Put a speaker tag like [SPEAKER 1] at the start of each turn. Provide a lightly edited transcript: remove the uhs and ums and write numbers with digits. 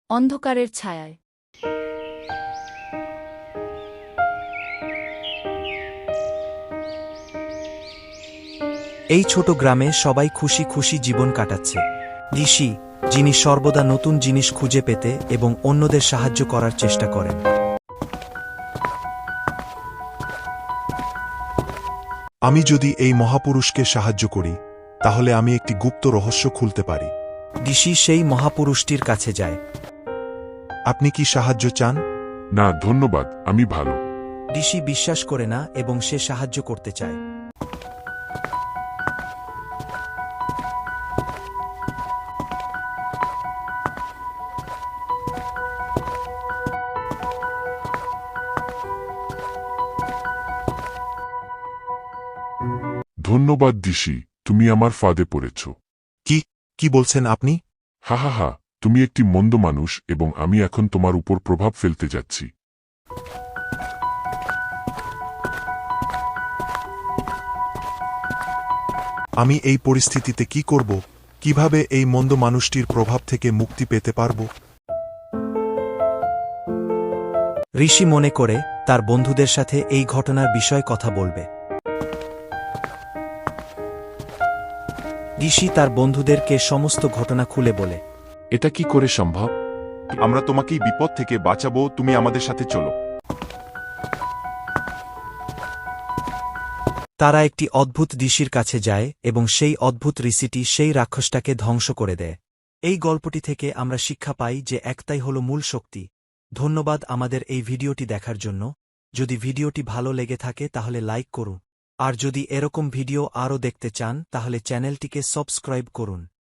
[SPEAKER 1] অন্ধকারের ছায়ায়।
[SPEAKER 2] এই ছোট গ্রামে সবাই খুশি খুশি জীবন কাটাচ্ছে। ঋষি, যিনি সর্বদা নতুন জিনিস খুঁজে পেতে এবং অন্যদের সাহায্য করার চেষ্টা করেন।
[SPEAKER 3] আমি যদি এই মহাপুরুষকে সাহায্য করি তাহলে আমি একটি গুপ্ত রহস্য খুলতে পারি।
[SPEAKER 2] ঋষি সেই মহাপুরুষটির কাছে যায়।
[SPEAKER 3] আপনি কি সাহায্য চান?
[SPEAKER 4] না ধন্যবাদ, আমি ভালো।
[SPEAKER 2] ঋষি বিশ্বাস করে না এবং সে সাহায্য করতে চায়।
[SPEAKER 4] ধন্যবাদ ঋষি, তুমি আমার ফাঁদে পড়েছ।
[SPEAKER 3] কি বলছেন আপনি?
[SPEAKER 4] হা হা হা, তুমি একটি মন্দ মানুষ এবং আমি এখন তোমার উপর প্রভাব ফেলতে যাচ্ছি।
[SPEAKER 3] আমি এই পরিস্থিতিতে কি করব? কিভাবে এই মন্দ মানুষটির প্রভাব থেকে মুক্তি পেতে পারব?
[SPEAKER 2] ঋষি মনে করে তার বন্ধুদের সাথে এই ঘটনার বিষয়ে কথা বলবে। ঋষি তার বন্ধুদেরকে সমস্ত ঘটনা খুলে বলে।
[SPEAKER 4] এটা কি করে সম্ভব?
[SPEAKER 5] আমরা তোমাকে এই বিপদ থেকে বাঁচাবো, তুমি আমাদের সাথে চলো।
[SPEAKER 2] তারা একটি অদ্ভুত ঋষির কাছে যায় এবং সেই অদ্ভুত ঋষিটি সেই রাক্ষসটাকে ধ্বংস করে দেয়। এই গল্পটি থেকে আমরা শিক্ষা পাই যে একটাই হল মূল শক্তি। ধন্যবাদ আমাদের এই ভিডিওটি দেখার জন্য। যদি ভিডিওটি ভালো লেগে থাকে তাহলে লাইক করুন, আর যদি এরকম ভিডিও আরও দেখতে চান তাহলে চ্যানেলটিকে সাবস্ক্রাইব করুন।